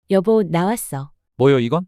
여보, 나왔어. 뭐요 이건?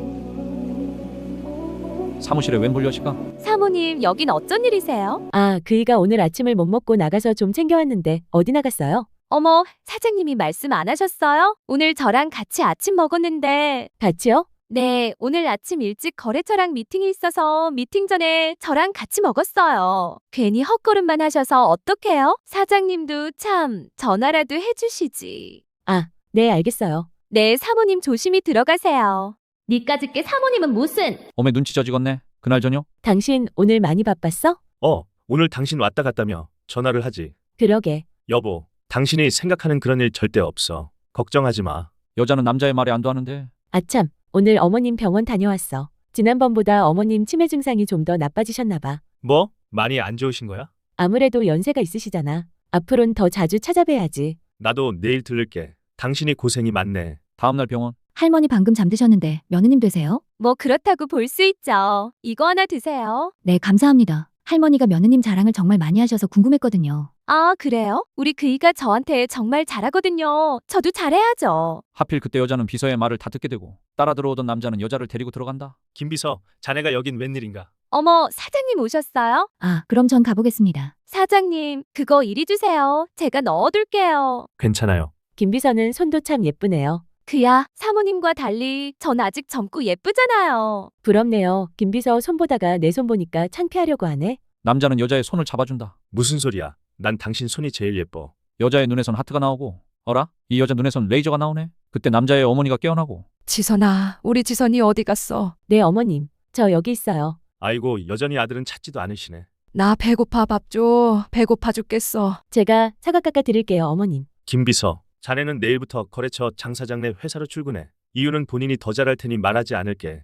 사무실에 웬 불려시가? 사모님, 여긴 어쩐 일이세요? 아, 그이가 오늘 아침을 못 먹고 나가서 좀 챙겨왔는데 어디 나갔어요? 어머, 사장님이 말씀 안 하셨어요? 오늘 저랑 같이 아침 먹었는데. 같이요? 네, 오늘 아침 일찍 거래처랑 미팅이 있어서 미팅 전에 저랑 같이 먹었어요. 괜히 헛걸음만 하셔서 어떡해요? 사장님도 참 전화라도 해주시지. 아, 네, 알겠어요. 네, 사모님 조심히 들어가세요. 니까짓 게 사모님은 무슨? 어메 눈치 져지겠네. 그날 저녁? 당신 오늘 많이 바빴어? 오늘 당신 왔다 갔다며 전화를 하지. 그러게. 여보, 당신이 생각하는 그런 일 절대 없어. 걱정하지 마. 여자는 남자의 말에 안도 하는데. 아참, 오늘 어머님 병원 다녀왔어. 지난번보다 어머님 치매 증상이 좀 더 나빠지셨나 봐. 뭐? 많이 안 좋으신 거야? 아무래도 연세가 있으시잖아. 앞으론 더 자주 찾아뵈야지. 나도 내일 들를게. 당신이 고생이 많네. 다음날 병원. 할머니 방금 잠드셨는데 며느님 되세요? 뭐 그렇다고 볼 수 있죠. 이거 하나 드세요. 네, 감사합니다. 할머니가 며느님 자랑을 정말 많이 하셔서 궁금했거든요. 아, 그래요? 우리 그이가 저한테 정말 잘하거든요. 저도 잘해야죠. 하필 그때 여자는 비서의 말을 다 듣게 되고 따라 들어오던 남자는 여자를 데리고 들어간다. 김비서, 자네가 여긴 웬일인가? 어머, 사장님 오셨어요? 아, 그럼 전 가보겠습니다. 사장님, 그거 이리 주세요. 제가 넣어둘게요. 괜찮아요. 김비서는 손도 참 예쁘네요. 그야, 사모님과 달리 전 아직 젊고 예쁘잖아요. 부럽네요. 김비서 손 보다가 내 손 보니까 창피하려고 하네. 남자는 여자의 손을 잡아준다. 무슨 소리야? 난 당신 손이 제일 예뻐. 여자의 눈에선 하트가 나오고 어라? 이 여자 눈에선 레이저가 나오네. 그때 남자의 어머니가 깨어나고. 지선아, 우리 지선이 어디 갔어? 네, 어머님. 저 여기 있어요. 아이고, 여전히 아들은 찾지도 않으시네. 나 배고파 밥 줘. 배고파 죽겠어. 제가 사과 깎아 드릴게요, 어머님. 김비서, 자네는 내일부터 거래처 장사장네 회사로 출근해. 이유는 본인이 더 잘할 테니 말하지 않을게.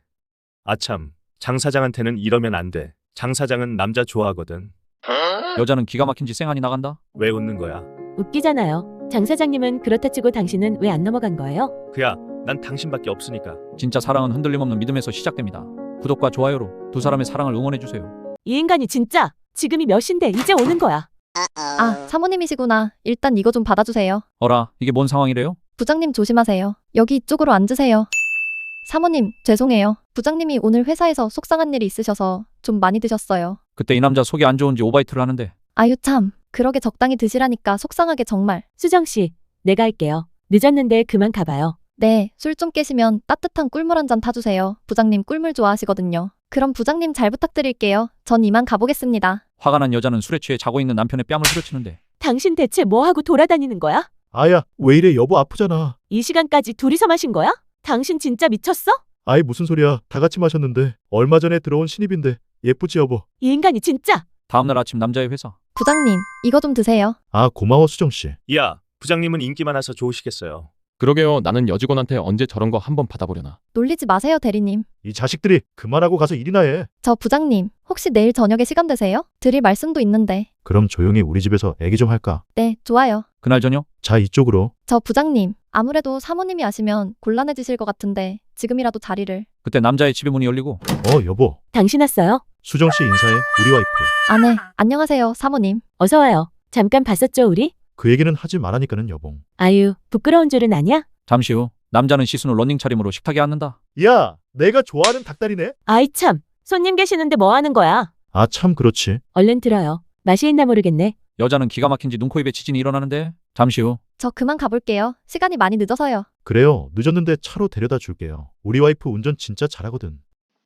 아참, 장 사장한테는 이러면 안 돼. 장 사장은 남자 좋아하거든. 여자는 기가 막힌 짓 쌩하니 나간다. 왜 웃는 거야? 웃기잖아요. 장 사장님은 그렇다 치고 당신은 왜 안 넘어간 거예요? 그야, 난 당신밖에 없으니까. 진짜 사랑은 흔들림 없는 믿음에서 시작됩니다. 구독과 좋아요로 두 사람의 사랑을 응원해주세요. 이 인간이 진짜 지금이 몇 시인데 이제 오는 거야. 아, 사모님이시구나. 일단 이거 좀 받아주세요. 어라, 이게 뭔 상황이래요? 부장님 조심하세요. 여기 이쪽으로 앉으세요. 사모님, 죄송해요. 부장님이 오늘 회사에서 속상한 일이 있으셔서 좀 많이 드셨어요. 그때 이 남자 속이 안 좋은지 오바이트를 하는데. 아유 참, 그러게 적당히 드시라니까 속상하게 정말. 수정 씨, 내가 할게요. 늦었는데 그만 가봐요. 네, 술 좀 깨시면 따뜻한 꿀물 한 잔 타주세요. 부장님 꿀물 좋아하시거든요. 그럼 부장님 잘 부탁드릴게요. 전 이만 가보겠습니다. 화가 난 여자는 술에 취해 자고 있는 남편의 뺨을 후려치는데. 당신 대체 뭐 하고 돌아다니는 거야? 아야, 왜 이래? 여보 아프잖아. 이 시간까지 둘이서 마신 거야? 당신 진짜 미쳤어? 아이, 무슨 소리야. 다 같이 마셨는데. 얼마 전에 들어온 신입인데. 예쁘지 여보? 이 인간이 진짜. 다음날 아침 남자의 회사. 부장님, 이거 좀 드세요. 아, 고마워 수정씨. 야, 부장님은 인기 많아서 좋으시겠어요. 그러게요. 나는 여직원한테 언제 저런 거 한번 받아보려나. 놀리지 마세요, 대리님. 이 자식들이 그만하고 가서 일이나 해. 저 부장님, 혹시 내일 저녁에 시간 되세요? 드릴 말씀도 있는데. 그럼 조용히 우리 집에서 애기 좀 할까? 네, 좋아요. 그날 저녁. 자, 이쪽으로. 저 부장님, 아무래도 사모님이 아시면 곤란해지실 것 같은데 지금이라도 자리를. 그때 남자의 집에 문이 열리고. 여보. 당신 왔어요? 수정씨 인사해. 우리 와이프. 아, 네. 안녕하세요, 사모님. 어서 와요. 잠깐 봤었죠, 우리? 그 얘기는 하지 말라니까는 여봉. 아유, 부끄러운 줄은 아냐? 잠시 후 남자는 시순 후 러닝 차림으로 식탁에 앉는다. 야, 내가 좋아하는 닭다리네. 아이 참, 손님 계시는데 뭐 하는 거야? 아, 참 그렇지. 얼른 들어요. 맛이 있나 모르겠네. 여자는 기가 막힌지 눈, 코, 입에 지진이 일어나는데. 잠시 후. 저 그만 가볼게요. 시간이 많이 늦어서요. 그래요. 늦었는데 차로 데려다 줄게요. 우리 와이프 운전 진짜 잘하거든.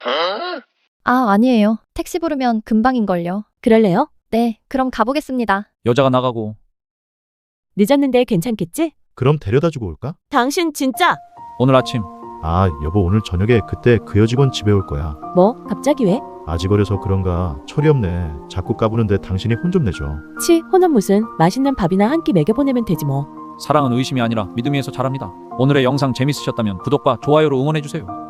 아, 아니에요. 택시 부르면 금방인걸요. 그럴래요? 네, 그럼 가보겠습니다. 여자가 나가고. 늦었는데 괜찮겠지? 그럼 데려다 주고 올까? 당신 진짜. 오늘 아침. 아, 여보 오늘 저녁에 그때 그 여직원 집에 올 거야. 뭐? 갑자기 왜? 아직 어려서 그런가 철이 없네. 자꾸 까부는데 당신이 혼 좀 내줘. 치, 혼은 무슨. 맛있는 밥이나 한 끼 먹여보내면 되지 뭐. 사랑은 의심이 아니라 믿음에서 자랍니다. 오늘의 영상 재밌으셨다면 구독과 좋아요로 응원해주세요.